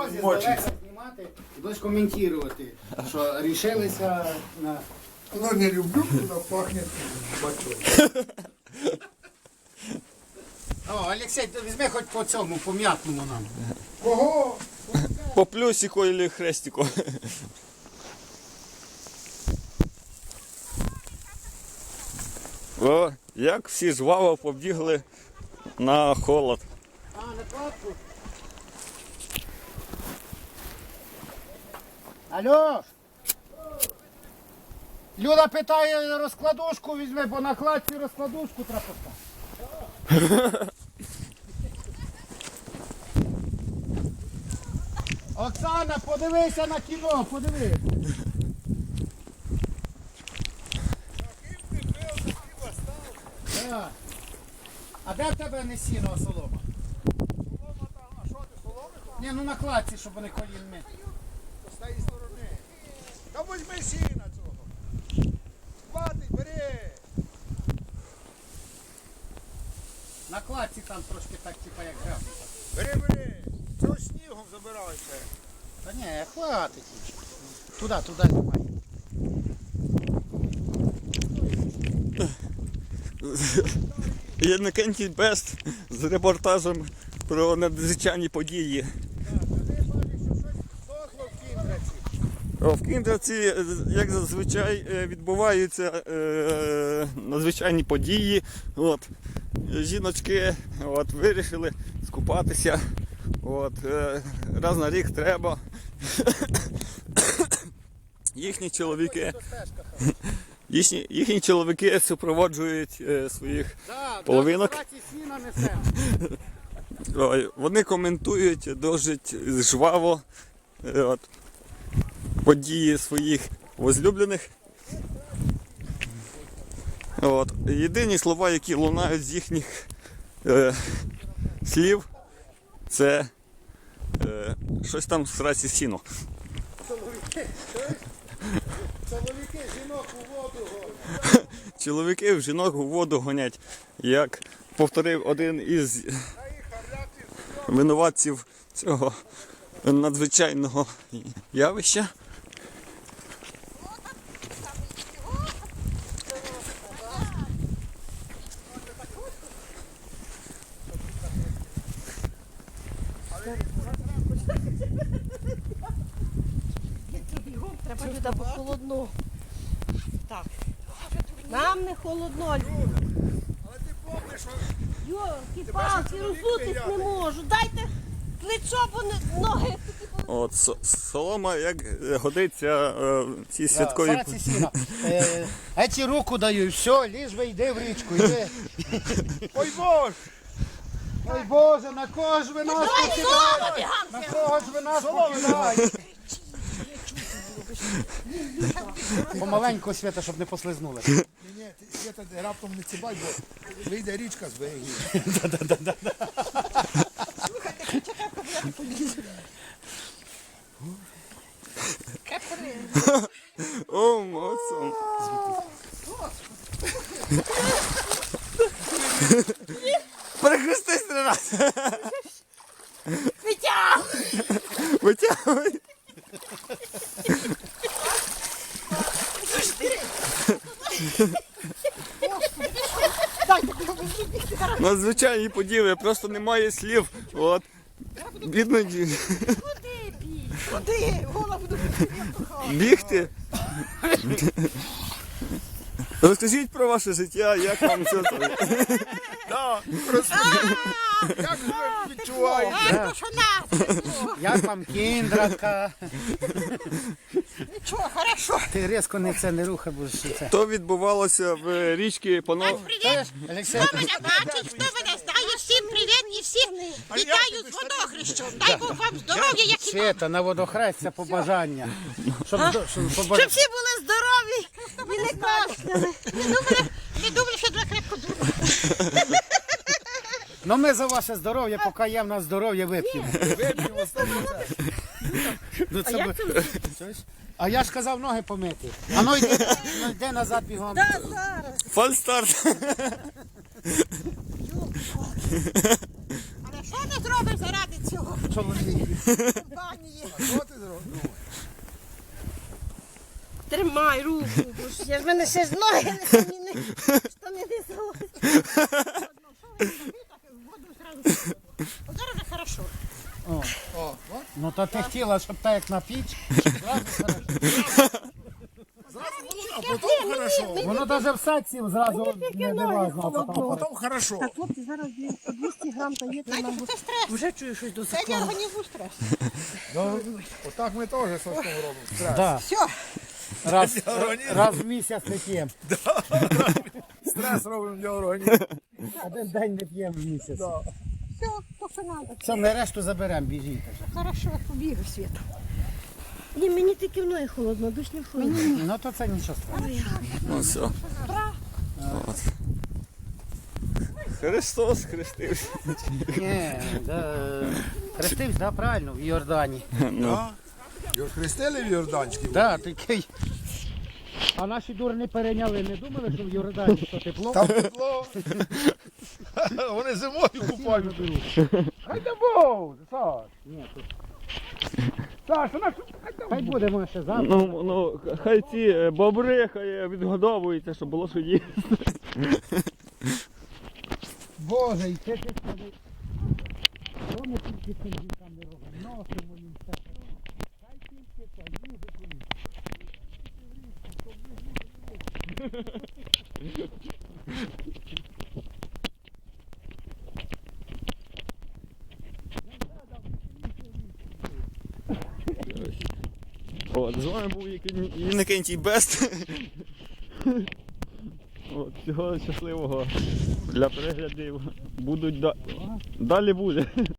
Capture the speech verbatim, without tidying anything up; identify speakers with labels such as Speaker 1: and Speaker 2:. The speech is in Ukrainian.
Speaker 1: дорозі здалека знімати і будеш коментувати, що рішилися на...
Speaker 2: Ну, не люблю, коли пахне бачок.
Speaker 1: О, Олексій, візьми хоч по цьому, по м'ятному нам.
Speaker 2: Кого?
Speaker 3: По плюсику или хрестику. О, як всі жваво побігли на холод.
Speaker 1: А, на кладку? Алло! Люда питає розкладушку візьми, бо на кладці розкладушку треба поставити. Оксана, подивися на кіно, подивись. Так. А де в тебе не сіно, а солома?
Speaker 2: Солома там, а що ти, соломи там?
Speaker 1: Ні, ну на кладці, щоб вони колін ми.
Speaker 2: З тієї сторони. Та візьми сіна цього. Хватить, бери.
Speaker 1: На кладці там трошки так, типа як грав.
Speaker 2: Бери, бери. Цього снігом забирайся.
Speaker 1: Та ні, хватить. Туди, туди знімай.
Speaker 3: Єднакентій Бест з репортажем про надзвичайні події.
Speaker 2: Вони бачать, що щось сохло в кіндраці.
Speaker 3: О, В Кіндраці, як зазвичай, е, відбуваються е, надзвичайні події. От. Жіночки от, вирішили скупатися. От, е, раз на рік треба. Їхні чоловіки, їхні, їхні чоловіки супроводжують е, своїх
Speaker 1: Да,
Speaker 3: половинок.
Speaker 1: да, на кладці сіна несемо.
Speaker 3: Ой, вони коментують досить жваво е, от, події своїх возлюблених. От. Єдині слова, які лунають з їхніх е, слів, це е, щось там в сраці сіно.
Speaker 1: Чоловіки, чуєш? Чоловіки, жінок у воду гонять.
Speaker 3: Чоловіки в жінок у воду гонять, як повторив один із винуватців цього надзвичайного явища.
Speaker 4: Треба сюди, бо холодно. Так. Нам не холодно.
Speaker 2: Але ти помниш, що
Speaker 4: Йорки, палки, розутись не можу. Дайте плечо, бо не- ноги.
Speaker 3: От со- солома, як годиться е, в цій святковій.
Speaker 1: Сраці сіна. Е, а ці руку даю, все, ліж би йди в річку, йди.
Speaker 2: ой Боже!
Speaker 1: Ой Боже, на кого ж ви нас покидаєте? На кого ж ви нас покидаєте? Помаленьку, Свята, щоб не послизнули.
Speaker 2: Ні, ні, ти Свята, раптом не цибай, бо вийде річка з берегів.
Speaker 3: О, моцом. Перехрестись три рази.
Speaker 4: Витягуй!
Speaker 3: Витягуй. Надзвичайні події, просто немає слів. От. Бідно ді-
Speaker 4: Куди бій? Куди? Голову до
Speaker 3: бігти. Розкажіть про ваше життя, як вам це.
Speaker 2: Так, розповім. Як ви відчуваєте?
Speaker 4: Ай, що нас?
Speaker 1: Як вам кіндратка?
Speaker 4: Нічого, хорошо.
Speaker 1: Ти різко не це не рухай, бо ж це.
Speaker 3: То відбувалося в річці Пано...
Speaker 4: Привіт.
Speaker 1: Олексій,
Speaker 4: Хто мене бачить, хто мене знає, всім привіт і всіх вітаю з водохрещем. Дай Бог вам здоров'я, як і
Speaker 1: Свята, на водохрестя побажання. Щоб, до- щоб
Speaker 4: щоб
Speaker 1: побажання.
Speaker 4: всі були здорові і не кашляли. Не думали, не думали, що два крепко думали.
Speaker 1: Ну ми за ваше здоров'я, поки є в нас здоров'я, вип'ємо.
Speaker 2: Вип'ємо сто процентів.
Speaker 1: Ну, це би- Чуєш? А я ж казав ноги помити. А ну йди, ну, йди назад бігом.
Speaker 4: Та зараз.
Speaker 3: Фальстарт.
Speaker 4: Але Що не зробиш заради цього?
Speaker 2: Чоловік.
Speaker 4: Компанії.
Speaker 2: А що ти зробив?
Speaker 5: Тримай руку, бо ж я ж мене ще ж ноги не самі не штани не залазять.
Speaker 4: Воду зразу. От зараз вже хорошо.
Speaker 1: О,
Speaker 2: О, от.
Speaker 1: ну то ти хотіла, щоб так як на піч. Зразу хорошо.
Speaker 2: Зразу воно, а потім хорошо.
Speaker 1: Воно навіть в садці зразу не дивазно, а потім хорошо.
Speaker 2: Потім хорошо.
Speaker 5: Так, хлопці, зараз блін, по двісті грам та є, то нам
Speaker 4: Це стрес.
Speaker 5: вже чую щось до
Speaker 4: Це для
Speaker 5: закладу.
Speaker 4: організму стрес.
Speaker 2: Ну, отак ми теж з Сашком робимо. Стрес.
Speaker 1: Да.
Speaker 4: Все.
Speaker 1: Раз,
Speaker 2: Організм.
Speaker 1: раз в місяць не п'ємо.
Speaker 2: Стрес робимо для організму.
Speaker 1: Один день не п'ємо в місяць.
Speaker 2: Да.
Speaker 4: Все, то що треба.
Speaker 1: Все, ми решту заберемо, біжіть.
Speaker 4: Хорошо, побігли світ.
Speaker 5: Ні, мені тільки в ноги холодно, душ не в холодно.
Speaker 1: Ну то це нічого страшного.
Speaker 3: Ну все. От. Христос хрестився.
Speaker 1: Ні, да, хрестився, да, правильно, в Йордані.
Speaker 2: Да. Його хрестили в Йорданській?
Speaker 1: Да, такий. А наші дурні перейняли, не думали, що в Йордані що тепло?
Speaker 2: Там тепло. Вони зимою купають.
Speaker 1: Хай да Бог, Саш. Ні, тут. Саш, вона хай буде може ще завтра.
Speaker 3: Ну, ну, хай ці е, бобри хай відгодовуються, щоб було що їсти.
Speaker 1: Боже, і це ти скажи. Що ми тільки цим дітям не робимо? Носимо їм все. Хай тільки це, їжу комусь.
Speaker 3: От, з вами був Інокентій Бест. От, всього щасливого для переглядів. Будуть да... Далі буде.